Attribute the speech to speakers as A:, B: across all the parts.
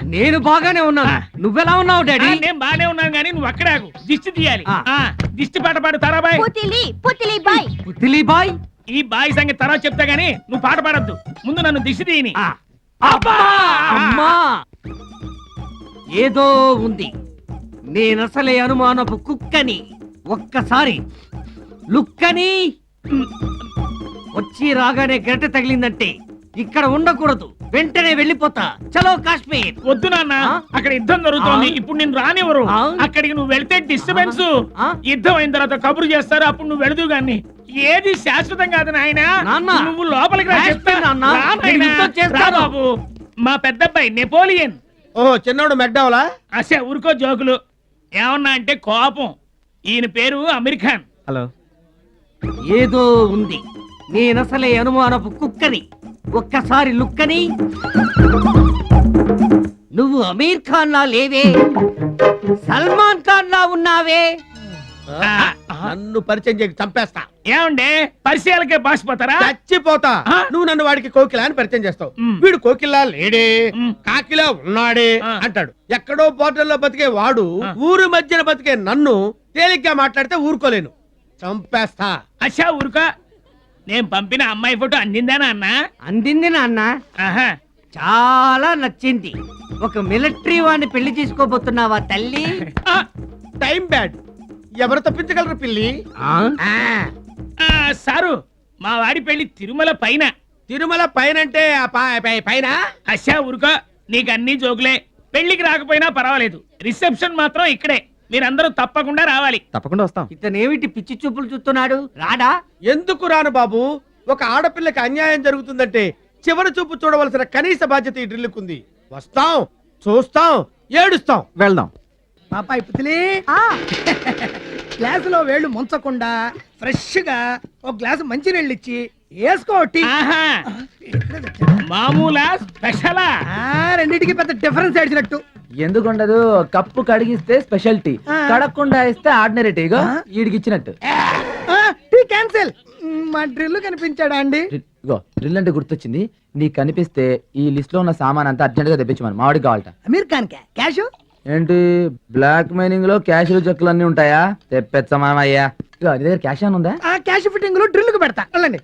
A: నేను బాగానే ఉన్నాను. నువ్వెలా ఉన్నావు డాడీ?
B: నేను బాగానే ఉన్నాను గానీ నువ్వు అక్కడే ఆగు. దిష్టి తీయాలి. దిష్టి పాట పాడు తారాబాయ్.
A: పుత్తిలి బాయ్.
B: ఈ బాయ్ సంగతి తర్వాత చెప్తా గానీ నువ్వు పాట పాడొద్దు. ముందు నన్ను దిష్టి తీయని.
A: అమ్మా ఏదో ఉంది. నేనసలే అనుమానపు కుక్కని. ఒక్కసారి లుక్కని వచ్చి రాగానే గంట తగిలిందంటే ఇక్కడ ఉండకూడదు. వెంటనే వెళ్ళిపోతా. చలో కాశ్మీర్.
B: వద్దు నాన్న, అక్కడ యుద్ధం జరుగుతోంది. ఇప్పుడు నేను రానివ్వరు. అక్కడికి నువ్వు వెళ్తే డిస్టర్బెన్స్. యుద్ధం అయిన తర్వాత కబురు చేస్తారు. అప్పుడు నువ్వు వెళదు గాని. ఏది శాశ్వతం కాదు నాయన. నువ్వు లోపలికి రా చెప్తా. బాబు మా పెద్దబ్బాయి నెపోలియన్.
C: ఓహో చిన్నోడు మెక్డవలా?
B: అసే ఊరుకో జోకులు. ఏమన్నా అంటే కోపం. ఈయన పేరు అమీర్ ఖాన్.
C: హలో.
A: ఏదో ఉంది. నేనసలే అనుమానపు కుక్కని. ఒక్కసారి లుక్కని. నువ్వు అమీర్ ఖాన్ లా లేవే, సల్మాన్ ఖాన్ లా ఉన్నావే.
C: నన్ను పరిచయం చేయక చంపేస్తా.
B: ఏమండే పరిచయాలకే బాసిపోతారా?
C: చచ్చిపోతా. నువ్వు నన్ను వాడికి కోకిలా అని పరిచయం చేస్తావు. వీడు కోకిలా లేడే, కాకిలా ఉన్నాడే అంటాడు. ఎక్కడో పోర్టల్లో బతికే వాడు ఊరు మధ్యన బతికే నన్ను తేలిగ్గా మాట్లాడితే ఊరుకోలేను. చంపేస్తా.
B: అచ్చా ఊరుకో. నేను పంపిన అమ్మాయి ఫోటో అందిందానా అన్న?
A: అందింది నాన్న. చాలా నచ్చింది. ఒక మిలిటరీ వాడిని పెళ్లి చేసుకోబోతున్నావా తల్లి?
C: Time bad. ఎవరు తప్పించగలరు పిల్లి?
B: సారు మా వాడి పెళ్లి తిరుమల పైన.
C: తిరుమల పైన అంటే పైన?
B: అచ్చా ఊరుకో. నీకు అన్ని జోకులే. పెళ్లికి రాకపోయినా పర్వాలేదు. రిసెప్షన్ మాత్రం ఇక్కడే. మీరందరూ తప్పకుండా రావాలి.
C: తప్పకుండా వస్తాం.
A: ఇతనేమిటి పిచ్చి చూపులు చూస్తున్నాడు? రాడా?
C: ఎందుకు రాను బాబు? ఒక ఆడపిల్లకి అన్యాయం జరుగుతుందంటే చివరి చూపు చూడవలసిన కనీస బాధ్యత ఈ డ్రిల్లుకుంది. వస్తాం, చూస్తాం, ఏడుస్తాం, వెళ్దాం.
D: పాపాయి పుతిలి, గ్లాసులో వేళ్ళు ముంచకుండా ఫ్రెష్ గా ఒక గ్లాసు మంచినీళ్ళు ఇచ్చి వేసుకోటి.
B: మామూలా స్పెషలా?
D: రెండింటికి పెద్ద డిఫరెన్స్ ఏడ్చినట్టు.
E: ఎందుకుండదు? కప్పు కడిగిస్తే స్పెషాలిటీ, కడగకుండా ఇస్తే ఆర్డినరీ టీగా వీడికి ఇచ్చినట్టు.
D: Tea cancel. మా డ్రిల్ కనిపించాడా అండి?
E: డ్రిల్ అంటే గుర్తొచ్చింది. నీకు కనిపిస్తే ఈ లిస్ట్ లో ఉన్న సామాన్ అంతా అర్జెంట్ గా తెప్పించమని మామిడి కావాలట.
D: అమీర్ ఖాన్ క్యాష్
E: ఏంటి బ్లాక్ మైనింగ్ లో క్యాష్ చెక్కులు అన్ని ఉంటాయా? తెప్పించమా అయ్యా. నీ దగ్గర క్యాష్ అని ఉందా?
D: ఆ క్యాష్ ఫిట్టింగ్ లో డ్రిల్ కు పెడతా. వెళ్ళండి.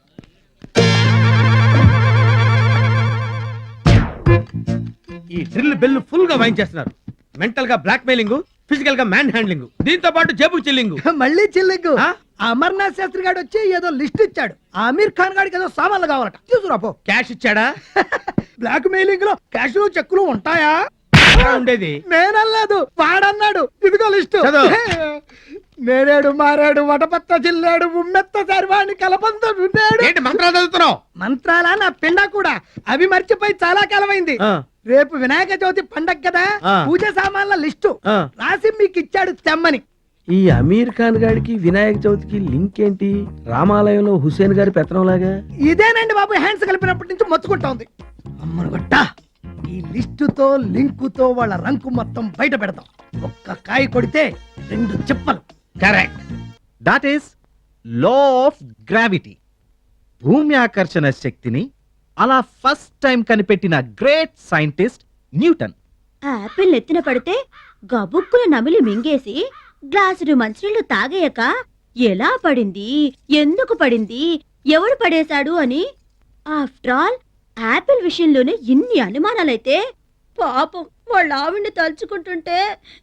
C: ఈ డ్రిల్ బెల్ ఫుల్ గా వాయించేస్తున్నారు. మెంటల్ గా బ్లాక్ మెయిలింగ్, ఫిజికల్ గా మ్యాన్ హ్యాండ్లింగ్, దీంతో పాటు జేబు చిల్లింగ్.
D: మళ్ళీ చిల్లింగ్. అమర్నాథ్ శాస్త్రి గారు వచ్చి ఏదో లిస్ట్ ఇచ్చాడు. అమీర్ ఖాన్ గారికి ఏదో సామాన్లు కావాలట. తీసుకురాపో.
C: క్యాష్ ఇచ్చాడా?
D: బ్లాక్ మెయిలింగ్ లో క్యాష్ చెక్కులు ఉంటాయా?
C: ఉండేది
D: నేనల్లేదు, వాడన్నాడు. ఇదిగో లిస్టు. నేరేడు మారేడు వటపత్త జిల్లాడు ఉమ్మెత్త సర్వాణి కలబంద
C: ఏంటి మంత్రాలు చదువుతున్నావు?
D: మంత్రాలా నా పిండ కూడా. అవి మర్చిపోయి చాలా కాలమైంది. రేపు వినాయక చవితి పండగ కదా, పూజ సామాన్ల లిస్టు రాసి మీకు ఇచ్చాడు తెమ్మని.
C: ఈ అమీర్ ఖాన్ గారికి వినాయక చవితికి లింక్ ఏంటి? రామాలయంలో హుసేన్ గారి పెత్తనం లాగా.
D: ఇదేనండి బాబు, హ్యాండ్స్ కలిపినప్పటి నుంచి మొత్తుకుంటా ఉంది. అమ్మను గొట్ట, ఈ లిస్టుతో లింకుతో వాళ్ళ రంకు మొత్తం బయట పెడతాం. ఒక్క కాయ కొడితే 2 చిప్పలు.
C: Correct. That is law of gravity. భూమి ఆకర్షణ శక్తిని అలా ఫస్ట్ టైం కనిపెట్టిన గ్రేట్ సైంటిస్ట్ న్యూటన్.
F: ఆపిల్ ఎత్తిన పడితే గబుక్కున నమిలి మింగేసి గ్లాసుడు మంచినీళ్లు తాగేయక ఎలా పడింది, ఎందుకు పడింది, ఎవడు పడేశాడు అని. ఆఫ్టర్ ఆల్ ఆపిల్ విషయంలోనే ఇన్ని అనుమానాలైతే పాపం వాళ్ళ ఆవిడ్ని తలుచుకుంటుంటే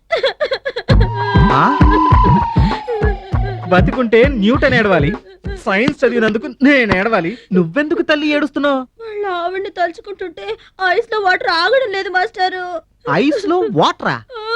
C: బతికుంటే న్యూటన్ ఏడవాలి, సైన్స్ చదివినందుకు నేను ఏడవాలి. నువ్వెందుకు తల్లి ఏడుస్తున్నావు?
F: వాళ్ళ ఆవిడ్ని తలుచుకుంటుంటే ఐస్ లో వాటర్ ఆగడం లేదు మాస్టారు.
C: ఐస్ లో వాటరా?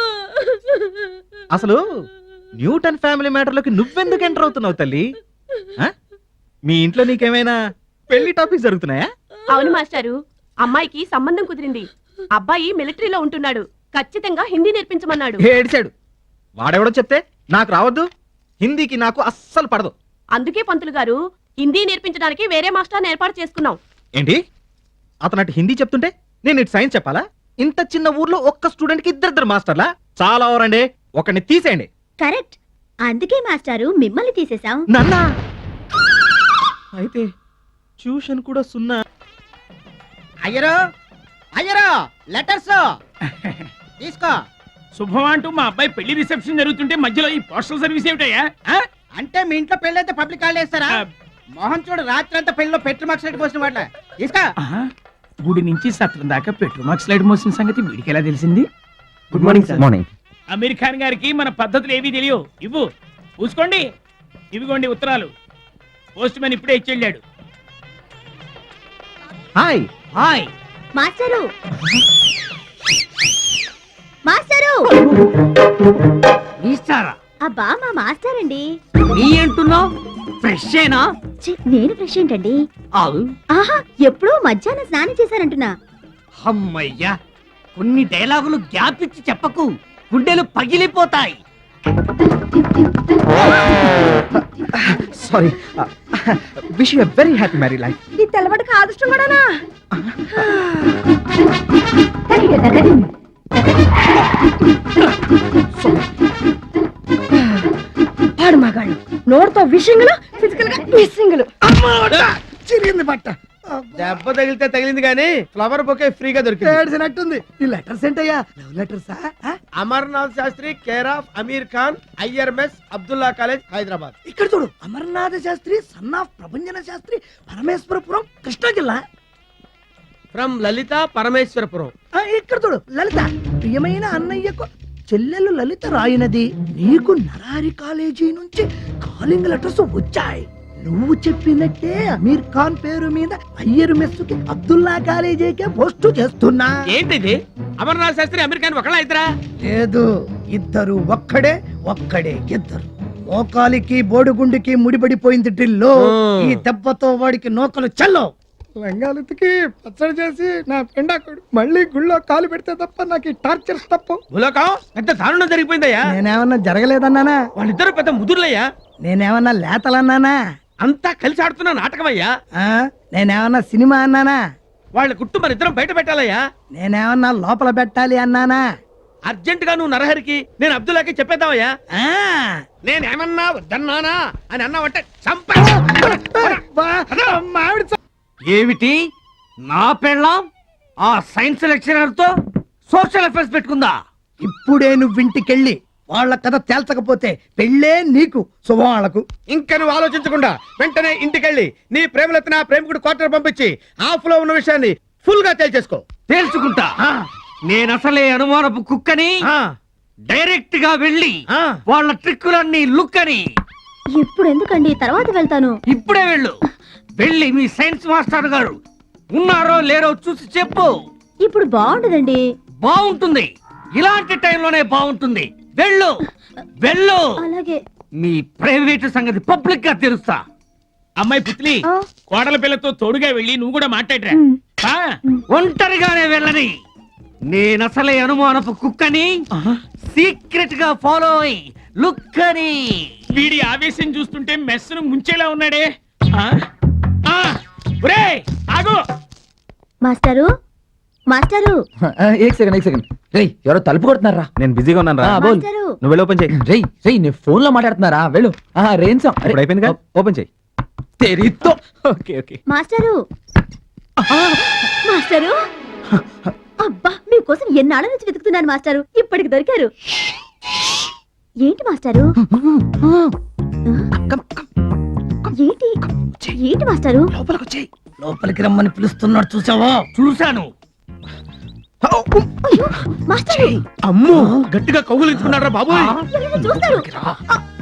C: అసలు న్యూటన్ ఫ్యామిలీ మ్యాటర్లోకి నువ్వెందుకు ఎంటర్ అవుతున్నావు తల్లి? మీ ఇంట్లో నీకేమైనా పెళ్లి టాపిక్స్ జరుగుతున్నాయా?
G: అవును మాస్టారు, అమ్మాయికి సంబంధం కుదిరింది. అబ్బాయి మిలిటరీలో ఉంటున్నాడు. ఖచ్చితంగా హిందీ నేర్పించమన్నాడు.
C: ఏడిచాడు. వాడెవడో చెప్తే నాకు రావద్దు. హిందీకి నాకు అస్సలు పడదు.
G: అందుకే పంతులు గారు హిందీ నేర్పించడానికి వేరే మాస్టర్ ఏర్పాటు చేసుకున్నాం.
C: ఏంటి? అతను అటు హిందీ చెప్తుంటే నేను ఇటు సైన్స్ చెప్పాలా? ఇంత చిన్న ఊర్లో ఒక్క స్టూడెంట్ కి ఇద్దరు మాస్టర్లా? చాలా ఓవరండి. ఒకరిని తీసేయండి.
F: కరెక్ట్. అందుకే మాస్టారు మిమ్మల్ని తీసేశాం.
C: నన్నా? అయితే ట్యూషన్ కూడా సున్నా.
D: అయ్యరో
H: అయ్యరా లెటర్స్ తీసుకో.
B: శుభం అంటూ మా అబ్బాయి పెళ్లి రిసెప్షన్ జరుగుతుంటే మధ్యలో ఈ పోస్టల్ సర్వీస్ ఏమిటయ్యా? ఆ?
H: అంటే మీ ఇంట్లో పెళ్ళి అయితే పబ్లిక్ హాలిడే ఇస్తారా? మోహన్ చూడు రాత్రి అంతా పెళ్లిలో పెట్రోల్ మార్క్స్ లైట్ పోసిన వాట్ల తీసుకో.
B: ఆహా. గుడి నుంచి సత్రం దాకా పెట్రోల్ మార్క్స్ లైట్ మోసిన సంగతి వీడికి ఎలా తెలిసింది?
E: Good morning sir. Morning.
B: Aamir Khan గారికి మన పద్ధతులు ఏవీ తెలియవు. ఇవ్వు పూసుకోండి. ఇవిగోండి ఉత్తరాలు. పోస్ట్ మ్యాన్ ఇప్పుడే ఇచ్చి వెళ్ళాడు.
E: హాయ్.
A: హాయ్.
F: మాస్టరు మాస్టరు
A: ఇస్తారా?
F: అబ్బా మా మాస్టర్ అండి.
A: నీ అంటున్నావు? ఫ్రెష్ ఏనా?
F: ఛీ, నేను ఫ్రెష్ ఏంటండి?
A: అవు.
F: ఆహా ఎప్పుడూ మధ్యాహ్నం స్నానం చేశారంటున్నా.
A: అమ్మయ్యా, కొన్ని డైలాగులు గ్యాప్ ఇచ్చి చెప్పకు, గుండెలు పగిలిపోతాయి.
E: Sorry. Wish you very happy marry life.
F: ఈ తెల్లబడి కాదుష్టం కూడానా? పాడు మగాళ్ళు నోటితో విషింగులు, ఫిజికల్ గా మిస్సింగులు.
D: చిరిగింది బట్ట.
C: దెబ్బ తగిలితే తగిలింది కానీ ఫ్లవర్ బొకే ఫ్రీగా దొరికింది.
D: ఏడ్చినట్టుంది. ఈ లెటర్స్ ఏంటయ్యా? లవ్ లెటర్సా?
C: Amarnath Shastri care of Aamir Khan, IRMS, Abdullah college, Hyderabad.
D: ఇక్కడ చూడు, అమర్నాథ శాస్త్రి సన్ ఆఫ్ ప్రభంజన శాస్త్రి, పరమేశ్వరపురం, కృష్ణా జిల్లా.
C: ఫ్రమ్ లలిత, పరమేశ్వరపురం.
D: ఇక్కడ చూడు, లలిత ప్రియమైన అన్నయ్యకు చెల్లెలు లలిత రాయినది, నీకు నరారి కాలేజీ నుంచి కాలింగ్ లెటర్స్ వచ్చాయి. నువ్వు చెప్పినట్టే అమీర్ ఖాన్ పేరు మీద అయ్యర్ మెస్సుకి అబ్దుల్లా కాలేజీకే పోస్టు చేస్తున్నా.
C: ఏంటిది? అమర్నాథ్ శాస్త్రి అమీర్ ఖాన్ ఒకళ్ళ ఇద్దరా?
D: లేదు, ఇద్దరు ఒక్కడే, ఒక్కడే ఇద్దరు. మోకాలికి బోడిగుండికి ముడిపడిపోయింది డ్రిల్లో. ఈ దెబ్బతో వాడికి నోకలు చల్లో. లంగాలెత్తికి పచ్చడి చేసి నా పెండాకుడు మళ్ళీ గుళ్ళో కాలు పెడితే తప్ప నాకు ఈ టార్చర్స్ తప్పు.
C: భూలోకం పెద్ద దారుణం జరిగిపోయిందయ్యా.
D: నేనేమన్నా జరగలేదన్నానా?
C: వాళ్ళిద్దరు పెద్ద ముదుర్లయ్యా.
D: నేనేమన్నా లేతలన్నానా?
C: అంతా కలిసి ఆడుతున్న నాటకమయ్యా.
D: నేనేమన్నా సినిమా అన్నానా?
C: వాళ్ళ గుట్టు మన ఇద్దరం బయట పెట్టాలయ్యా.
D: నేనేమన్నా లోపల పెట్టాలి అన్నానా?
C: అర్జెంట్ గా నువ్వు నరహరికి, నేను అబ్దుల్లాకి చెప్పేద్దామయ్యా. నేనేమన్నా వద్దన్నానా అని అన్నావంటే
A: ఏమిటి? నా పెళ్ళాం ఆ సైన్స్ లెక్చరర్ తో సోషల్ అఫేర్స్ పెట్టుకుందా?
D: ఇప్పుడే నువ్వు ఇంటికెళ్ళి వాళ్ళ కథ తేల్చకపోతే పెళ్ళే నీకు శుభవాళ్లకు.
C: ఇంకా నువ్వు ఆలోచించకుండా వెంటనే ఇంటికెళ్ళి నీ ప్రేమలెత్తిన ప్రేమికుడు క్వార్టర్ పంపించి ఆఫ్ లో ఉన్న విషయాన్ని ఫుల్ గా తేల్చేసుకో.
A: తేల్చుకుంటా. నేనసలే అనుమానపు కుక్కని. డైరెక్ట్ గా వెళ్ళి వాళ్ళ ట్రిక్కులన్నీ లుక్ అని.
F: ఇప్పుడు ఎందుకండి, తర్వాత వెళ్తాను.
A: ఇప్పుడే వెళ్ళు. వెళ్ళి మీ సైన్స్ మాస్టర్ గారు ఉన్నారో లేరో చూసి చెప్పు.
F: ఇప్పుడు బాగుండదండి.
A: బాగుంటుంది, ఇలాంటి టైంలోనే బాగుంటుంది. వెళ్ళు వెళ్ళు.
F: అలాగే.
A: మీ ప్రైవేట్ సంగతి పబ్లిక్ గా తెలుస్తా.
B: అమ్మాయి పుత్లి, కోడల పిల్లతో తోడుగా వెళ్ళి నువ్వు కూడా మాట్లాడరా.
A: ఒంటరిగానే వెళ్ళని. నేనసలే అనుమానపు కుక్కని. సీక్రెట్ గా ఫాలో అయి లుక్ అని.
B: వీడి ఆవేశం చూస్తుంటే మెస్సును ముంచేలా ఉన్నాడే. ఒరేయ్, ఆగు.
F: మాస్టరు మాస్టరు
E: ఏక్ సెకండ్. రేయ్, ఎవరో తలుపు కొడుతున్నారా?
I: నేను బిజీగా ఉన్నాను రా.
F: మాస్టరు
I: నువ్వు వెళ్ళి ఓపెన్ చేయి.
E: రేయ్ నేను ఫోన్ లో మాట్లాడుతున్నారా? వెళ్ళు. రేంసం
I: ఇప్పుడు అయిపోయింది కదా, ఓపెన్ చేయి.
E: తెరితో.
I: Okay okay.
F: మాస్టరు మాస్టరు అబ్బా, మీకోసం ఎన్నాళ్ళ నుంచి వెతుకుతున్నాను మాస్టరు. ఇప్పటికి దొరికారు. ఏంటి మాస్టరు? ఏంటి ఏంటి మాస్టరు?
D: లోపలికి వచ్చేయ్. లోపలికి రమ్మని పిలుస్తున్నాడు, చూసావా?
A: చూశాను.
F: అయ్యో మాస్టరు,
C: అమ్మో, గట్టిగా కౌగులించుకున్నారా బాబు?
F: ఎవరైనా చూస్తారు.